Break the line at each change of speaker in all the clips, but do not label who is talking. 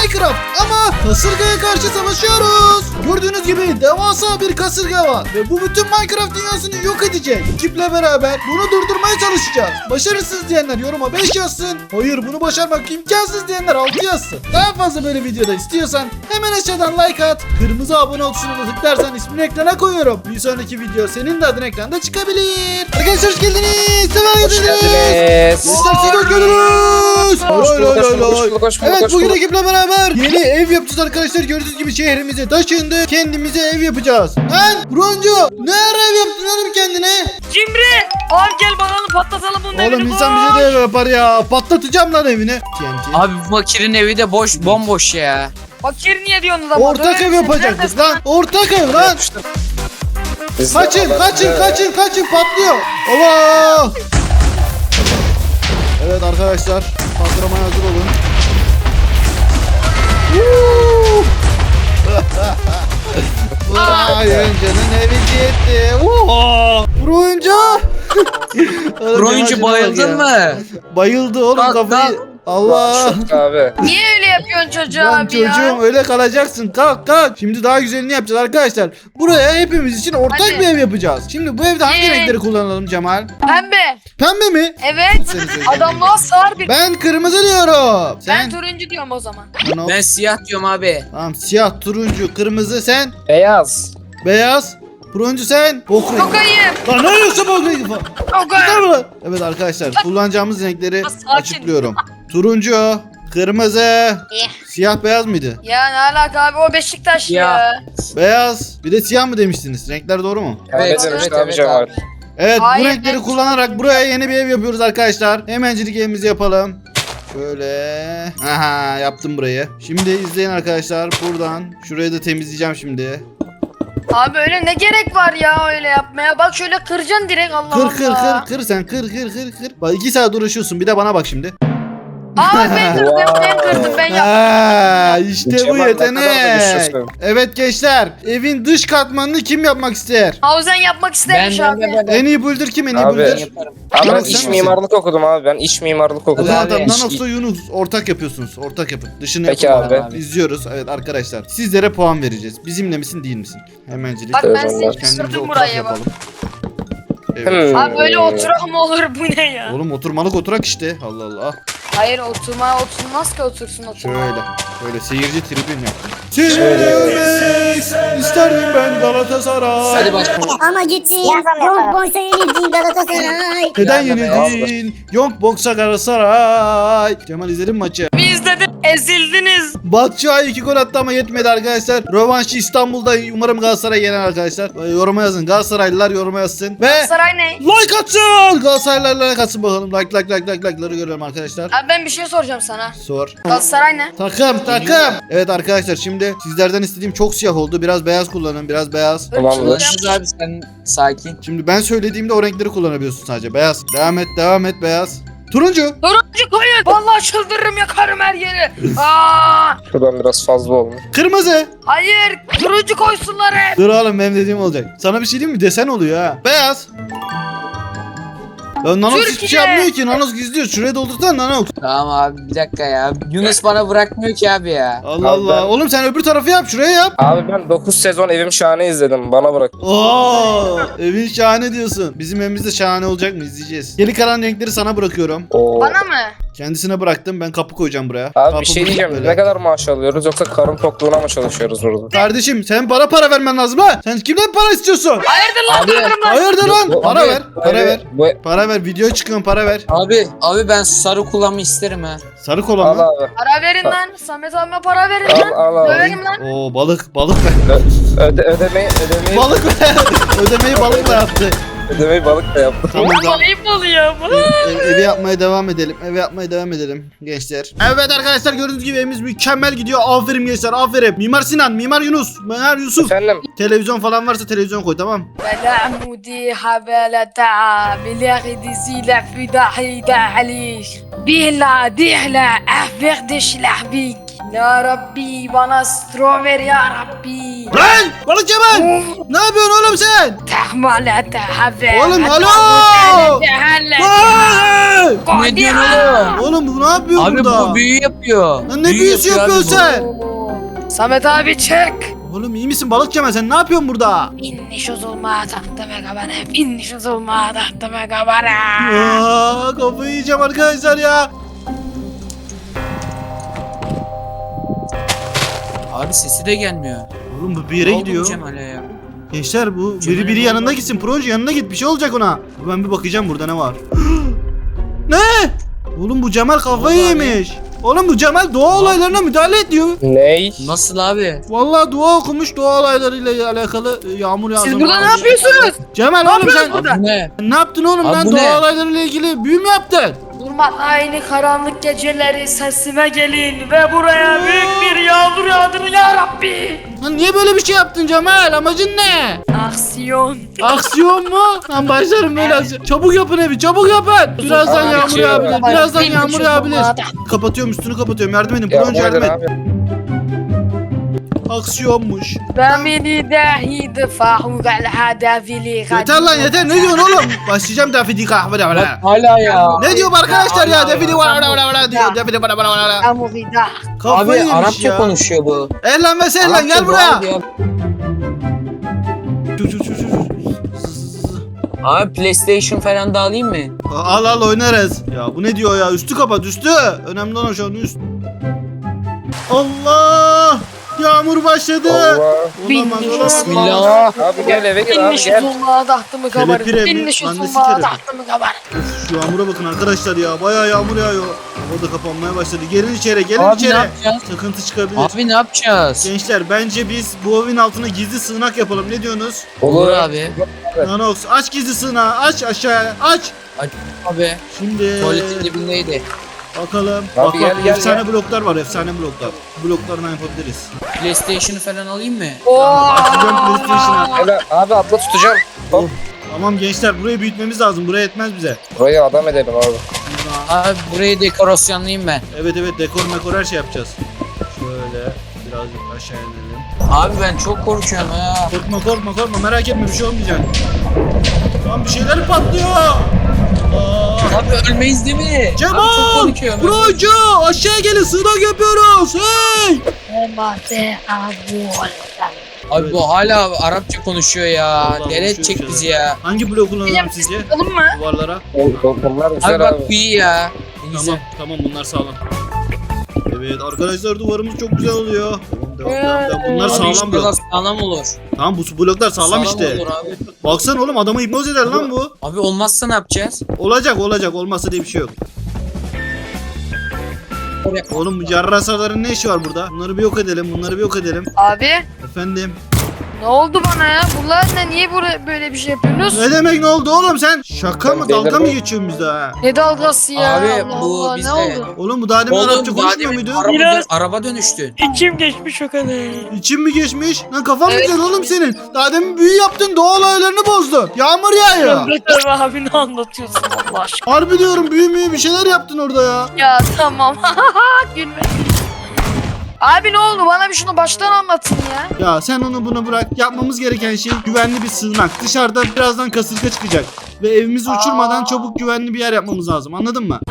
Minecraft ama kasırgaya karşı savaşıyoruz. Gördüğünüz gibi devasa bir kasırga var ve bu bütün Minecraft dünyasını yok edecek. Ekiple beraber bunu durdurmaya çalışacağız. Başarısız diyenler yoruma 5 yazsın. Hayır, bunu başarmak imkansız diyenler 6 yazsın. Daha fazla böyle videoda istiyorsan hemen aşağıdan like at. Kırmızı abone ol tuşuna da tıklarsan ismini ekrana koyuyorum. Bir sonraki video senin de adın ekranda çıkabilir. Arkadaşlar hoş geldiniz.
Hoş geldiniz.
Gençler siz hoş geldiniz.
Hoş
Evet, bugün ekiple beraber yeni ev yapacağız arkadaşlar. Gördüğünüz gibi şehrimize taşındık. Kendimize ev yapacağız. Lan Broncu, ne ara ev yaptın oğlum kendine?
Cimri! Abi gel bakalım patlatalım bunun evini.
Oğlum insan bize de ev yapar ya. Patlatacağım lan evini. TNT.
Abi bu fakirin evi de bomboş ya.
Fakir niye diyorsunuz ama?
Ortak ev yapacaktık lan. Ortak ev lan. Kaçın patlıyor. Allah. Evet arkadaşlar, patlamaya hazır olun. Oyuncunun evi gitti.
Oyuncu bayıldın mı?
Bayıldı oğlum
Kalk,
kafayı.
kalk.
Allah.
Abi.
Niye öyle yapıyorsun çocuğa
Lan
abi ya?
çocuğum öyle kalacaksın. Kalk. Şimdi daha güzelini yapacağız arkadaşlar. Buraya hepimiz için ortak
Hadi.
bir ev yapacağız. Şimdi bu evde hangi renkleri kullanalım Cemal?
Pembe.
Pembe mi?
Evet.
Seni sevdim.
Adamlığa sığar bir.
Ben kırmızı diyorum.
Ben
Sen?
turuncu diyorum o zaman.
Lan o-
Ben siyah diyorum abi.
Tamam, siyah, turuncu, kırmızı sen.
Beyaz.
Beyaz. Turuncu sen. Bok rengi.
Çok ayıp.
Lan ne yiyorsun bok rengi falan?
Çok
Yeter
ayıp.
mi lan? Evet arkadaşlar, kullanacağımız renkleri
Sakin.
açıklıyorum. Turuncu, kırmızı, siyah, beyaz mıydı?
Ya ne alaka abi, o Beşiktaş
Ya.
ya.
Beyaz. Bir de siyah mı demiştiniz? Renkler doğru mu?
Evet,
Evet,
evet,
abi
evet
Cemal.
abi.
Evet,
Hayır,
bu renkleri
ben-
kullanarak buraya yeni bir ev yapıyoruz arkadaşlar. Hemencilik evimizi yapalım. Şöyle. Aha, yaptım burayı. Şimdi izleyin arkadaşlar. Buradan şurayı da temizleyeceğim şimdi.
Abi öyle ne gerek var ya öyle yapmaya? Bak şöyle kıracaksın direkt, Allah Allah.
Kır sen kır. Bak 2 saat uğraşıyorsun, bir de bana bak şimdi.
Abi ben kırdım, ben kırdım, ben yaptım.
Ha, işte bu
Cemal, ne kadar da
yetenek.
güçlüsün.
Evet gençler, evin dış katmanını kim yapmak ister?
Hauzen yapmak istemiş abi.
En iyi builder kim? En iyi
Abi.
builder?
Yaparım.
Abi ben
Yunus, sen
iç
misin?
mimarlık okudum abi. Ben iç mimarlık
O
okudum.
zaman
Abi,
tamam,
iş-
Nanos'la Yunus ortak yapıyorsunuz. Ortak yapın. Dışını
Peki
yapın.
abi.
Abi.
İzliyoruz. Evet arkadaşlar, sizlere puan vereceğiz. Bizimle misin değil misin? Hemencilik.
Bak ben
Evet,
seni
kendimize
Kendimize
küstürdüm
oturak
buraya bak.
yapalım. Evet.
Hmm.
Abi böyle oturak mı olur, bu ne ya?
Oğlum oturmalık oturak işte. Allah Allah.
Hayır, oturmaz ki, otursun oturma.
Şöyle seyirci tribün yaptım. Seni görmek isterdim ben Galatasaray.
Hadi başla.
Ama gittin Young Boys'a yenildin Galatasaray.
Neden
Ya,
yenildin? Young Box'a Galatasaray. Cemal izledin mi maçı?
Biz de ezildiniz.
Batshuayi 2 gol attı ama yetmedi arkadaşlar. Rövanşı İstanbul'da, umarım Galatasaray yener arkadaşlar. Yoruma yazın. Galatasaraylılar yoruma yazsın. Ve
Saray ne?
like atsın. Galatasaraylılar like atsın bakalım. Like'ları görelim arkadaşlar.
Abi ben bir şey soracağım sana.
Sor.
Galatasaray ne?
Takım. Evet arkadaşlar, şimdi sizlerden istediğim çok siyah oldu. Biraz beyaz kullanın. Biraz beyaz.
Tamamdır.
Ulaşırız abi, sen sakin.
Şimdi ben söylediğimde o renkleri kullanabiliyorsun sadece. Beyaz. Devam et beyaz. Turuncu.
Turuncu koyun. Vallahi çıldırırım, yakarım her yeri. Aa,
Şuradan biraz fazla olmuş.
Kırmızı.
hayır, turuncu koysunlar hep.
Dur oğlum, benim dediğim olacak. Sana bir şey diyeyim mi? Desen oluyor ha. Beyaz. Ya Nanox hiçbir
Türkiye.
şey yapmıyor ki. Nanox gizliyor. Şuraya doldursana Nanox.
Tamam abi, bir dakika ya. Yunus bana bırakmıyor ki abi ya.
Allah
Abi
Allah.
ben-
Oğlum sen öbür tarafı yap. Şuraya yap.
Abi ben 9 sezon Evim Şahane izledim. Bana bırak.
Oo, evin şahane diyorsun. Bizim evimiz de şahane olacak mı? İzleyeceğiz. Geri kalan renkleri sana bırakıyorum.
Oo.
Bana mı?
Kendisine bıraktım. Ben kapı koyacağım buraya.
Abi
Kapı
bir şey
bu-
diyeceğim.
böyle.
Ne kadar maaş alıyoruz yoksa karın tokluğuna mı çalışıyoruz burada?
Kardeşim sen bana para vermen lazım ha. Sen kimden para istiyorsun?
Hayırdır lan,
Abi.
durdurun lan.
Hayırdır lan?
Bu-
Para
abi,
ver. Para ver.
Bu
Para ver. Videoya çıkıyorum, para ver.
Abi ben sarı kullanmayı isterim ha.
Sarı kola
al
mı?
abi.
Para verin lan. Samet abime para verin
Al
lan.
al abi.
Döverim lan.
Oo, balık ver.
Ödemeyi
Balık ver. Ödemeyi balıkla yaptı.
balık da yaptı.
Tamam
Ama
tamam.
ayıp oluyor bu.
Evi yapmaya devam edelim. Gençler. Evet arkadaşlar, gördüğünüz gibi evimiz mükemmel gidiyor. Aferin gençler, aferin. Mimar Sinan, Mimar Yunus, Mimar Yusuf.
Efendim?
Televizyon falan varsa televizyon koy, tamam.
بلا عمودي حبالة تعب ملاغي دي زيلة في دحيدة عليش بيلا ديهلا أحبيغ ديش لحبيك Ya Rabbi bana strawberry ya Rabbi.
Lan balık Cemal. Ne yapıyorsun oğlum sen?
Tahmale tahafe.
Oğlum, alo! Vay!
Ne diyorsun oğlum?
Oğlum bu ne yapıyor
Abi
burada?
bu büyü yapıyor.
Lan ne
Büyü
büyüsü
yapıyor
yapıyorsun
abi
sen?
Samet abi çek.
Oğlum iyi misin balık Cemal, sen ne yapıyorsun burada?
İnniş olma tahtime kabana. İnniş olma tahtime kabana.
Aa, kafayı yiyeceğim arkadaşlar ya.
bu. Abi sesi de gelmiyor.
Oğlum bu bir yere
Ne oldu bu
gidiyor.
Cemal'e ya?
Gençler bu
Cemal'e
biri
ne
yanında
oldu?
gitsin. Proje yanına git, bir şey olacak ona. Ben bir bakacağım burada ne var. Ne? Oğlum bu Cemal kafayı
Oldu abi.
yemiş. Oğlum bu Cemal doğa olaylarına müdahale ediyor.
Ney?
Nasıl abi?
Vallahi dua okumuş, doğa olaylarıyla alakalı yağmur yağdı.
Siz burada ne yapıyorsunuz?
Cemal oğlum sen
burada?
Bu ne?
ne yaptın oğlum
Abi
lan,
bu
doğa
ne?
olaylarıyla ilgili büyü mü yaptın?
Durmaz aynı karanlık geceleri sesime gelin ve buraya büyük bir yağmur yağdırın ya Rabbi.
Lan niye böyle bir şey yaptın Cemal? Amacın ne?
Aksiyon.
Aksiyon mu? Lan başlarım böyle aksiyon. Çabuk yapın evi, çabuk yapın. Birazdan
Abi,
yağmur
şey yok.
yağabilir. Birazdan
Benim
yağmur
için
yağabilir.
olmadı.
Kapatıyorum, üstünü kapatıyorum. Yardım edin.
Ya
Proje
bu
yardım
neden
et.
abi?
Aksiyonmuş.
Bemini dahi defahu gal hadafili.
Yeter lan yeter. Ne diyorsun oğlum? Başlayacağım defidi kahve
Bak hala ya.
Ne diyor bu arkadaşlar ya?
Allah
Defidi
Allah.
var diyor. Defidi var.
Amurida.
Kafayı
Abi
yemiş
Arapça
ya.
konuşuyor bu.
Ehlen ve sehlen gel
Arapça
buraya.
var diyor. Abi PlayStation falan da alayım mı?
Al al oynarız. Ya bu ne diyor ya? Üstü kapat üstü. Önemli olan şu an üst. Allah! Yağmur başladı.
Allah.
Olamaz olamaz.
Bismillah.
Abi gel eve gir abi
İnniş
gel.
olma tahtımı kabarın.
Kelepire mi?
İnniş
Lan ne
olma
sikerim?
tahtımı kabarın.
Şu yağmura bakın arkadaşlar ya. Bayağı yağmur yağıyor. O da kapanmaya başladı. Gelin içeri, gelin
Abi ne
içeri.
yapacağız?
Sıkıntı çıkabilir.
Abi ne yapacağız?
Gençler bence biz bu evin altına gizli sığınak yapalım. Ne diyorsunuz?
Olur abi.
Nanox aç gizli sığınağı. Aç aşağıya. Aç.
Abi
Şimdi
tuvaletin dibindeydi.
bakalım.
Abi
Bak
gel,
bak
gel,
efsane
gel.
bloklar var. Efsane bloklar. Bloklardan yapabiliriz.
PlayStation'ı falan alayım mı?
Açacağım PlayStation'a.
Gel abi atla tutacağım. Hop.
Tamam gençler, burayı büyütmemiz lazım. Buraya yetmez bize.
Burayı adam edelim abi.
Abi burayı dekorasyonlayayım ben.
Evet dekor mekor her şey yapacağız. Şöyle birazcık aşağı inelim.
Abi ben çok korkuyorum ya.
Korkma merak etme, bir şey olmayacak. Tamam, bir şeyler patlıyor. Aa.
Abi ölmeyiz değil mi? Abi çok
Cemal!
korkuyorum.
Procu! Aşağıya gelin, sığınak yapıyoruz. Hey!
Abi bu hala Arapça konuşuyor ya.
Vallahi
Deli
konuşuyor
edecek
bir
bizi
şeyler.
ya.
Hangi blok kullanalım
Hocam
sizce?
Alalım mı?
Duvarlara.
Bunlar güzel
Abi
abi.
bak bu iyi ya. Ne güzel.
Tamam bunlar sağlam. Evet arkadaşlar, duvarımız çok güzel oluyor. Devam. Bunlar
Abi
sağlam
inşallah
blok.
sağlam olur.
Tamam bu bloklar sağlam işte.
olur abi.
Baksana oğlum, adamı hipnoz eder lan bu.
Abi olmazsa ne yapacağız?
Olacak olmazsa diye bir şey yok. Oğlum bu yarrasaların ne işi var burada? Bunları bir yok edelim.
Abi
Efendim.
ne oldu bana ya? Bunlar ne? Niye böyle bir şey yapıyorsunuz?
Ne demek ne oldu oğlum sen? Şaka mı,
Ben
dalga mı
delirdim.
geçiyorsun bizde ha?
Ne dalgası ya?
Abi
Allah
bu
Allah,
bizde.
ne oldu?
Oğlum bu daha demin
Oğlum
Arapça
daha
konuşmuyor
demin
muydu?
araba dönüştü.
İçim geçmiş o kadar.
İçin mi geçmiş? Lan kafan
Evet.
güzel oğlum senin. Daha demin büyü yaptın, doğa olaylarını bozdun. Yağmur yağıyor.
Mehmet abi ne anlatıyorsun Allah aşkına?
Harbi diyorum, büyü bir şeyler yaptın orada ya.
Ya tamam. Gülme. Abi ne oldu? Bana bir şunu baştan anlatın ya.
Ya sen onu bunu bırak. Yapmamız gereken şey güvenli bir sığınak. Dışarıda birazdan kasırga çıkacak. Ve evimizi uçurmadan çabuk güvenli bir yer yapmamız lazım. Anladın mı?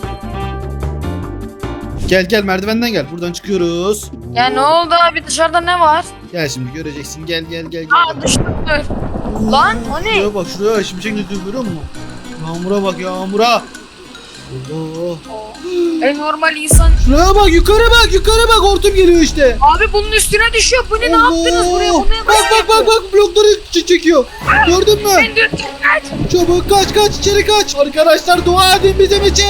Gel merdivenden gel. Buradan çıkıyoruz.
Ya ne oldu abi? Dışarıda ne var?
Gel şimdi göreceksin. Gel.
Aa düştüm dur. Lan o ne?
Şuraya bak, şuraya şimşek gidiyor, görüyor musun? Yağmura bak, yağmura. Allah.
En normal insan.
Şuraya bak, yukarı bak, hortum geliyor işte.
Abi bunun üstüne düşüyor. Bu ne? Ne yaptınız buraya? Bu ne?
Bak blokları çekiyor. Gördün mü?
Ben de kaç.
Çabuk kaç içeri kaç. Arkadaşlar dua edin bizim için.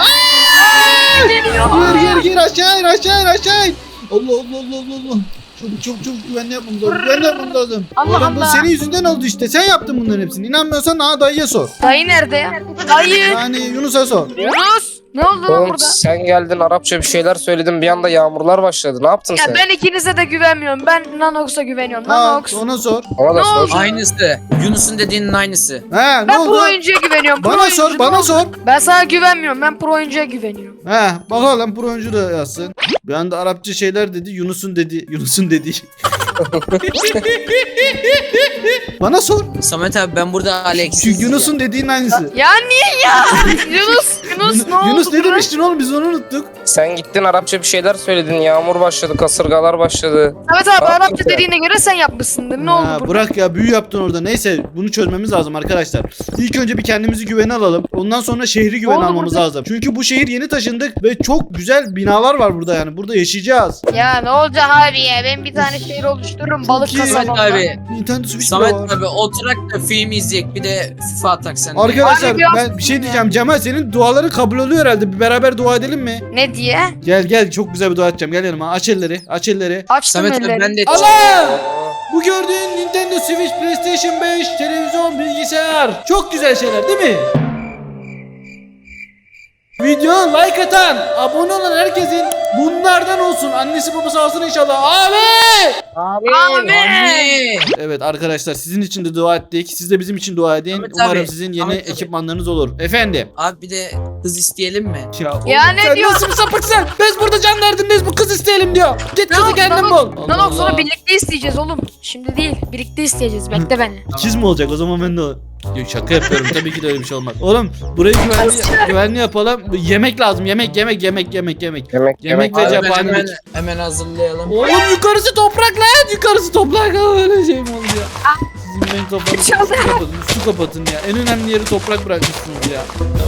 Geliyor.
Gir aşağı in. Allah. Çabuk güvenli yapmamız lazım.
Allah
Oğlum bu
Allah.
senin yüzünden oldu işte. Sen yaptın bunların hepsini. İnanmıyorsan dayıya sor.
Dayı nerede? Dayı.
Yani Yunus'a sor.
Yunus. Ne oldu lan
Oğlum
burada?
sen geldin Arapça bir şeyler söyledin bir anda yağmurlar başladı. Ne yaptın
Ya
sen?
ben ikinize de güvenmiyorum. Ben Nanox'a güveniyorum.
Ha,
Nanox.
ona sor.
Ona da
Ne
sor.
oldu?
Aynısı. Yunus'un dediğinin aynısı.
He ne
Ben
oldu?
pro oyuncuya güveniyorum. Pro
Bana
oyuncu,
sor,
ne
bana
oldu?
sor.
Ben sana güvenmiyorum. Ben pro oyuncuya güveniyorum.
He bakalım pro oyuncu da yazsın. Bir anda Arapça şeyler dedi. Yunus'un dedi. Yunus'un dedi. Bana sor.
Samet abi ben burada Alex.
Şu Yunus'un dediğin aynısı.
Ya niye ya? Yunus ne oldu?
Yunus ne
buna?
demiştin oğlum biz onu unuttuk.
Sen gittin Arapça bir şeyler söyledin. Yağmur başladı, kasırgalar başladı.
Evet abi
Ne yaptın
Arapça
sen?
dediğine göre sen yapmışsındır. Ne oldu
Ha,
burada?
bırak ya büyü yaptın orada. Neyse bunu çözmemiz lazım arkadaşlar. İlk önce bir kendimizi güvene alalım. Ondan sonra şehri güvene
oldu
almamız
burada?
lazım. Çünkü bu şehir yeni taşındık ve çok güzel binalar var burada yani. Burada yaşayacağız.
Ya ne olacak abi ya? Ben bir tane şehir oluştururum. Balık
Çok iyi.
Samet
kasabamda.
abi.
Nintendo Switch bile
Samet
var.
abi oturak da film izleyek bir de FIFA atak sen. de.
Arkadaşlar
Abi biraz-
ben bir şey diyeceğim. Cemal senin duaların kabul oluyor herhalde. Bir beraber dua edelim mi?
Ne diye?
Gel gel çok güzel bir dua edeceğim. Gel yanıma. Aç elleri. Aç elleri.
Açtım
Samet abi
elleri.
ben de
Allah! Bu gördüğün Nintendo Switch, PlayStation 5, televizyon, bilgisayar. Çok güzel şeyler değil mi? Video like atan, abone olan herkesin bunlardan olsun. Annesi babası alsın inşallah. Amin!
Amin.
Amin.
Evet arkadaşlar sizin için de dua ettik. Siz de bizim için dua edin.
Ahmet
Umarım
abi,
sizin yeni
Ahmet abi.
ekipmanlarınız olur. Efendim.
Abi bir de kız isteyelim mi?
Ya,
Ya
oğlum
ne
sen
diyor?
nasıl bir sapıksın? Biz burada can derdindeyiz bu kız isteyelim diyor. Git kızı kendin bul. Allah
Nanox
Allah.
sonra birlikte isteyeceğiz oğlum. Şimdi değil. Birlikte isteyeceğiz. Bekle beni.
İkiz mi olacak o zaman ben de Yok, şaka yapıyorum tabii ki de öyle bir şey olmaz. Oğlum burayı güvenli yapalım. Yemek lazım yemek. Yemek ve
Abi ben
cephanelik.
hemen hazırlayalım.
Oğlum yukarısı toprak lan yukarısı toprak. Öyle şey mi oldu ya? Sizin ben kafanızı
Çaldı.
su kapatın ya. En önemli yeri toprak bırakmışsınız ya.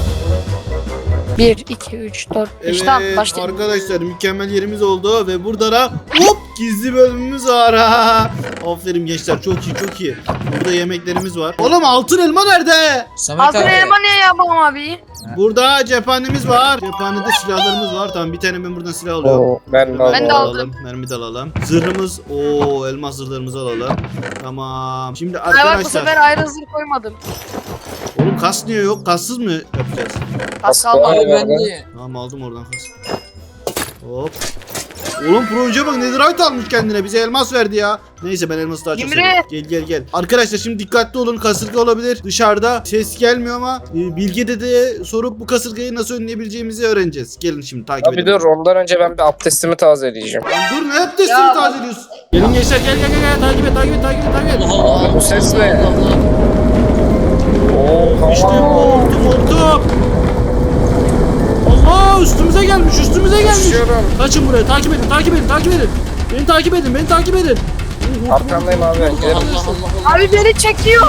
1, 2, 3, 4, 5. Tamam başlayalım.
arkadaşlar mükemmel yerimiz oldu ve burada da hop gizli bölümümüz var. Ha. Aferin gençler çok iyi çok iyi. Burada yemeklerimiz var. Oğlum altın elma nerede?
Samet
Altın
abi.
elma niye yapalım abi?
Burada cephanemiz var. Cephanede silahlarımız var. Tamam bir tane ben buradan silah alıyorum.
Oo, ben de
Ben de aldım.
Mermi de alalım. Zırhımız. Oo elmas zırhlarımızı alalım. Tamam. Şimdi
Ay bak bu
arkadaşlar.
sefer ayrı zırh koymadım.
Oğlum kas niye yok? Kassız mı yapacağız?
Az
Aslan
kalmadı.
Abi ben de.
Tamam aldım oradan kas. Hop. Oğlum proje bak netherite almış kendine. Bize elmas verdi ya. Neyse ben elması daha çok
Cimri.
seviyorum. Gel. Arkadaşlar şimdi dikkatli olun. Kasırga olabilir. Dışarıda ses gelmiyor ama Bilge Dede'ye sorup bu kasırgayı nasıl önleyebileceğimizi öğreneceğiz. Gelin şimdi takip
Abi
edin.
dur ondan önce ben bir abdestimi tazeleyeceğim.
Lan dur ne abdestini
Ya.
tazeliyorsun? Gelin gençler gel takip et.
Allah Allah.
Bu ses ne?
Allah Allah.
Oo,
İşte bu hortum. Allah üstümüze gelmiş.
Düşüyorum.
Kaçın buraya takip edin. Beni takip edin.
Arkandayım abi. Gidelim.
Allah Allah.
Abi beni çekiyor.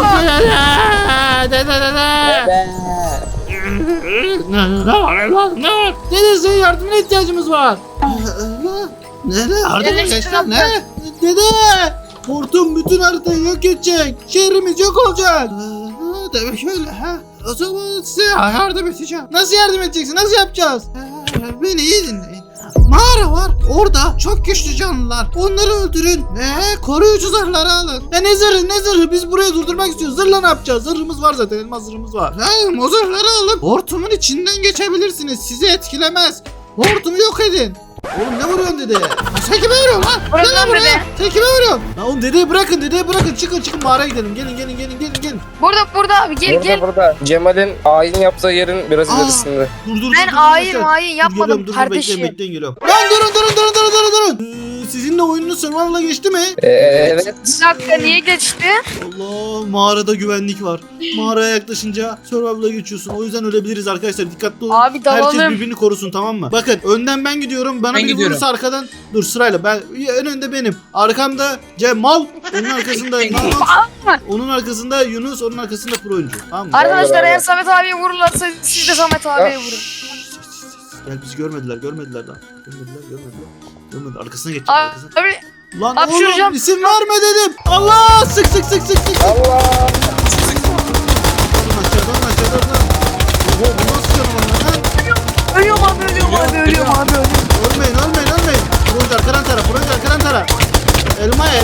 Ne var? Dede senin yardımına ihtiyacımız var. Nere?
Arkadaşlar,
Ne? Dede! Hortum bütün haritayı yok edecek. Şehrimiz yok olacak. Demek öyle ha. O zaman size yardım edeceğim. Nasıl yardım edeceksin? Nasıl yapacağız? Beni iyi dinleyin. Mağara var. Orada çok güçlü canlılar. Onları öldürün. Koruyucu zırhları alın. Ne zırhı? Biz burayı durdurmak istiyoruz. Zırhla ne yapacağız? Zırhımız var zaten. Elmas zırhımız var. O zırhları alıp hortumun içinden geçebilirsiniz. Sizi etkilemez. Hortumu yok edin. Oğlum ne vuruyorsun dede? Sen kime vuruyorsun lan?
Bırak
Gel
lan
buraya.
beni.
Sen kime vuruyorsun? Lan oğlum dedeyi bırakın. Çıkın mağaraya gidelim. Gelin.
Burada abi gel.
Burada. Cemal'in ayin yaptığı yerin biraz
Aa.
ilerisinde.
Dur.
Ben hain yapmadım kardeşim.
Bekleyin geliyorum. Lan durun. Sizinle oyununuz survival'a geçti mi?
Evet.
Bir dakika niye geçti?
Allah mağarada güvenlik var. Mağaraya yaklaşınca survival'a geçiyorsun. O yüzden ölebiliriz arkadaşlar. Dikkatli olun.
Abi dalalım.
Herkes birbirini korusun tamam mı? Bakın önden ben gidiyorum. Bana
Ben
biri
gidiyorum.
vurursa arkadan. Dur sırayla. Ben en önde benim. Arkamda Cemal. Onun arkasında Nanox. Onun arkasında Yunus. Onun arkasında pro oyuncu. Tamam mı?
Arkadaşlar
beraber.
eğer Samet abiye vururlarsa siz de Samet abiye vurun.
Gel bizi görmediler daha. Görmediler. Arkasına geç.
Abi
Lan
hapşıracağım.
oğlum isim verme dedim. Allah sık.
Allah.
Alın aşağıdan. Bu nasıl canavar lan?
ölüyorum abi.
Ölmeyin. Proje arkadan tara. Elmaya.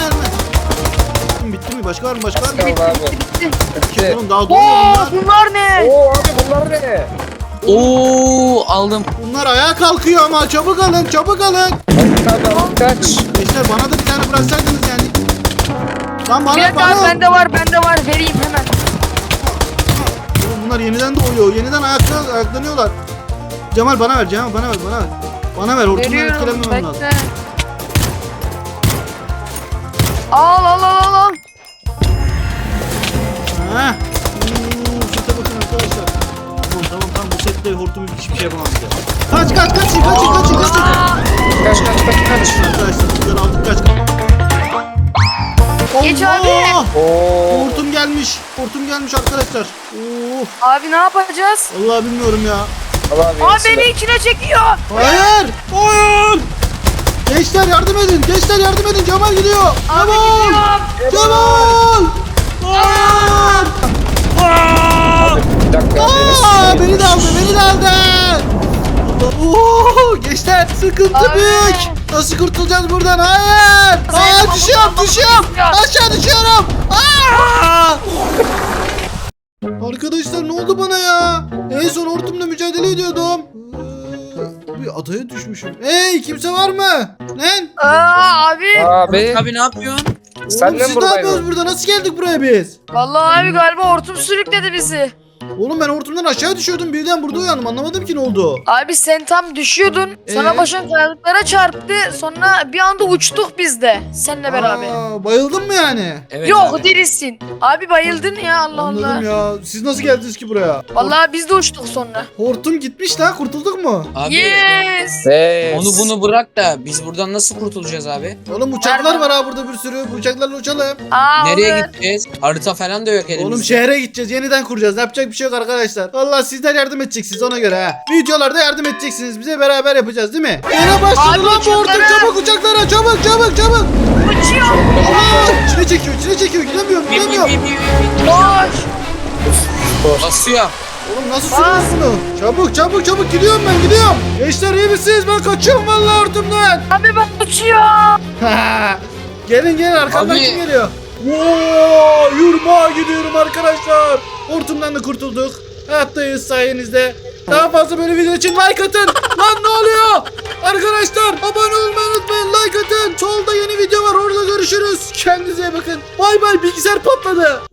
Bitti mi? Başka var mı?
Kaldı abi. Bitti.
Oğlum daha
Oo
doğmadım lan.
bunlar ne?
Oo abi bunlar ne?
Oo aldım.
Bunlar ayağa kalkıyor ama çabuk alın çabuk alın.
Kaç.
Gençler bana da bir tane bıraksaydınız yani. Lan
Bir dakika abi bende var vereyim hemen.
Oğlum bunlar yeniden doğuyor. Yeniden ayaklanıyorlar. Cemal bana ver Cemal bana ver. Bana ver hortumdan
Veriyorum
etkilenmemem lazım.
bekle. Al.
Ha. Sete bakın arkadaşlar. Tamam bu setle hortum hiçbir şey yapamam bize. Kaç.
Kaç.
Arkadaşlar bunları aldık kaç.
Geç
Allah!
abi.
Oo.
Hortum gelmiş arkadaşlar. Of.
Abi ne yapacağız?
Vallahi bilmiyorum ya.
Allah abi.
Abi beni içine çekiyor.
Hayır! Gençler yardım edin. Cemal gidiyor.
Abi
Cemal!
gidiyorum.
Cemal! Hayır!
Bir dakika.
Beni de aldı. Oo, gençler sıkıntı
Abi.
büyük. Nasıl kurtulacağız buradan? Hayır!
Zeynep,
Düşüyorum.
ya.
Aşağı düşüyorum. Aa! Arkadaşlar ne oldu bana ya? En son hortumla mücadele ediyordum. Bir adaya düşmüşüm. Hey kimse var mı? Lan?
Abi.
Abi.
Abi ne yapıyorsun?
Sen
Oğlum
de
siz ne
buradaydın.
yapıyorsunuz burada? Nasıl geldik buraya biz?
Vallahi abi galiba hortum sürükledi bizi.
Oğlum ben hortumdan aşağı düşüyordum. Birden burada uyandım. Anlamadım ki ne oldu.
Abi sen tam düşüyordun. Sonra başın kayalıklara çarptı. Sonra bir anda uçtuk biz de. Seninle beraber.
Bayıldın mı yani?
Evet
Yok
abi.
dirisin. Abi bayıldın ya Allah
Anladım
Allah.
ya. Siz nasıl geldiniz ki buraya?
Vallahi biz de uçtuk sonra.
Hortum gitmiş lan. Kurtulduk mu?
Abi
Yes.
Yes.
onu bunu bırak da biz buradan nasıl kurtulacağız abi?
Oğlum uçaklar var ha burada bir sürü. Bu uçaklarla uçalım.
Nereye
Olur.
gideceğiz? Harita falan da yok elimizde.
Oğlum şehre gideceğiz. Yeniden kuracağız. Yapacak bir şey yok arkadaşlar. Vallahi sizler yardım edeceksiniz ona göre ha. Videolarda yardım edeceksiniz. Bize beraber yapacağız değil mi? Yine başladı
Abi
lan bu hortum.
uçaklara.
Çabuk uçaklara. Çabuk.
Uçuyor.
Allah! İçine çekiyor. Gidemiyorum.
Bip, bip, bip, bip, bip.
Koş.
Basıyor.
Oğlum nasıl sürüyorsun bunu? Çabuk gidiyorum. Gençler iyi misiniz? Ben kaçıyorum vallahi hortumdan.
Abi ben uçuyorum.
gelin arkamdan
Abi.
kim geliyor? Oo, yurmağa gidiyorum arkadaşlar. Hortumdan da kurtulduk. Hayattayız sayenizde. Daha fazla böyle video için like atın. Lan ne oluyor? Arkadaşlar abone olmayı unutmayın. Like atın. Solda yeni video var. Orada görüşürüz. Kendinize iyi bakın. Bay bay. Bilgisayar patladı.